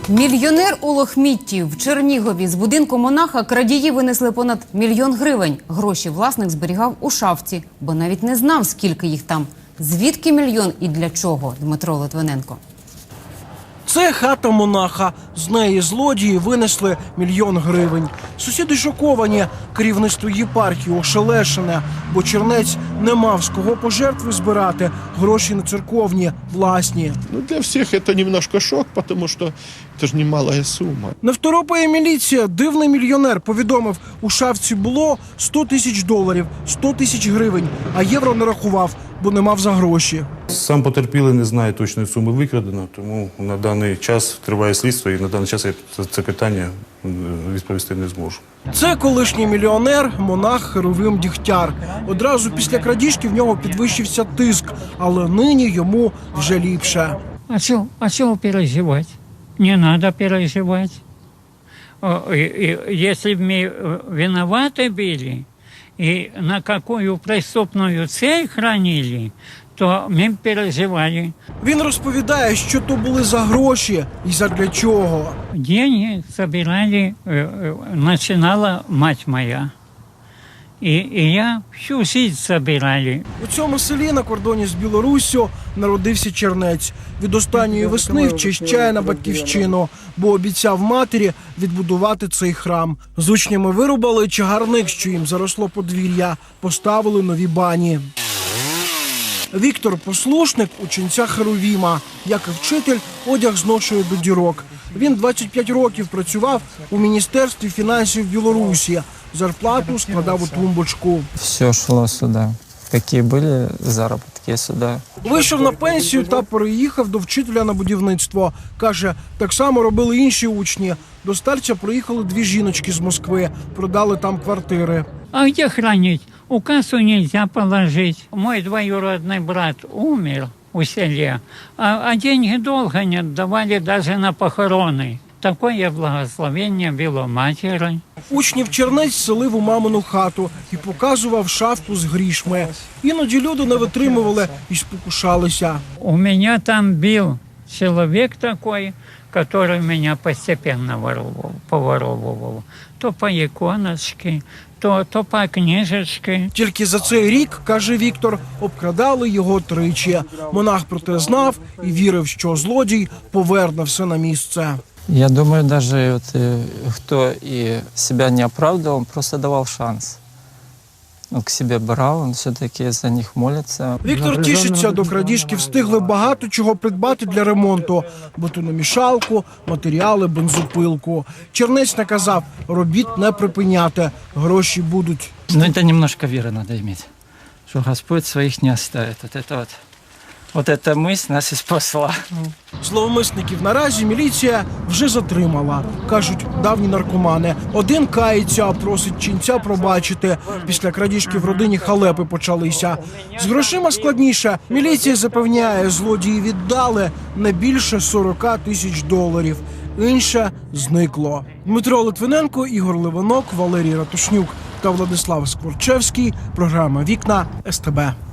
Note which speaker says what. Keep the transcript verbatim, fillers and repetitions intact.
Speaker 1: Мільйонер у лохмітті. В Чернігові з будинку монаха крадії винесли понад мільйон гривень. Гроші власник зберігав у шафці, бо навіть не знав, скільки їх там. Звідки мільйон і для чого? Дмитро Литвиненко.
Speaker 2: Це хата монаха. З неї злодії винесли мільйон гривень. Сусіди шоковані. Керівництво єпархії ошелешене, бо чернець не мав з кого пожертви збирати. Гроші не церковні, власні.
Speaker 3: Ну, для всіх це немножко шок, тому що це ж немалая сума.
Speaker 2: Не второпає міліція. Дивний мільйонер повідомив, у шафці було сто тисяч доларів, сто тисяч гривень, а євро не рахував, бо не мав за гроші.
Speaker 4: Сам потерпілий не знає точної суми викрадено, тому на даний час триває слідство і на даний час я це питання відповісти не зможу.
Speaker 2: Це колишній мільйонер, монах Херовим Дігтяр. Одразу після крадіжки в нього підвищився тиск, але нині йому вже ліпше.
Speaker 5: А чего, а чего переживать? Не надо переживать. О, и, и, если бы мы виноваты были и на какую преступную цель хранили, то ми б переживали.
Speaker 2: Він розповідає, що то були за гроші і задля чого.
Speaker 5: Деньги собирали, начинала мать моя. И, и я всю жизнь собирали.
Speaker 2: У цьому селі на кордоні з Білоруссю народився чернець. Від останньої весни вчищає на батьківщину, бо обіцяв матері відбудувати цей храм. З учнями вирубали чагарник, що їм заросло подвір'я, поставили нові бані. Віктор – послушник ученця Херовіма. Як і вчитель, одяг зношує до дірок. Він двадцять п'ять років працював у Міністерстві фінансів Білорусі. Зарплату складав у тумбочку.
Speaker 6: Все йшло сюди. Які були заробітки сюди.
Speaker 2: Вийшов на пенсію та переїхав до вчителя на будівництво. Каже, так само робили інші учні. До старця приїхали дві жіночки з Москви. Продали там квартири.
Speaker 5: А где хранить? У кассу нельзя положить. Мой двоюродный брат умер у селе, а, а деньги долго не отдавали даже на похороны. Такое благословение было матери.
Speaker 2: Учнів чернець селив у мамину хату і показував шафку з грішми. Іноді люди не витримували і спокушалися.
Speaker 5: У меня там был человек такой, который меня постепенно воровал, поворовывал. То по иконочке, то, то по книжечке.
Speaker 2: Тільки за цей рік, каже Віктор, обкрадали його тричі. Монах про те знав і вірив, що злодій поверне все на місце.
Speaker 6: Я думаю, даже вот, кто и себя не оправдывал, он просто давал шанс. Он к себе брал, он все-таки за них молится.
Speaker 2: Віктор тішиться, до крадіжки встигли багато чого придбати для ремонту. Бетономішалку, матеріали, бензопилку. Чернець наказав, робіт не припиняти, гроші будуть.
Speaker 6: Ну, это немножко веры надо иметь, что Господь своих не оставит. Вот это вот, вот эта мысль нас и спасла.
Speaker 2: Зловмисників наразі міліція вже затримала. Кажуть, давні наркомани. Один кається, а просить ченця пробачити. Після крадіжки в родині халепи почалися. З грошима складніше. Міліція запевняє, злодії віддали не більше сорок тисяч доларів. Інше зникло. Дмитро Литвиненко, Ігор Ливанок, Валерій Ратушнюк та Владислав Скворчевський. Програма «Вікна» ес те бе.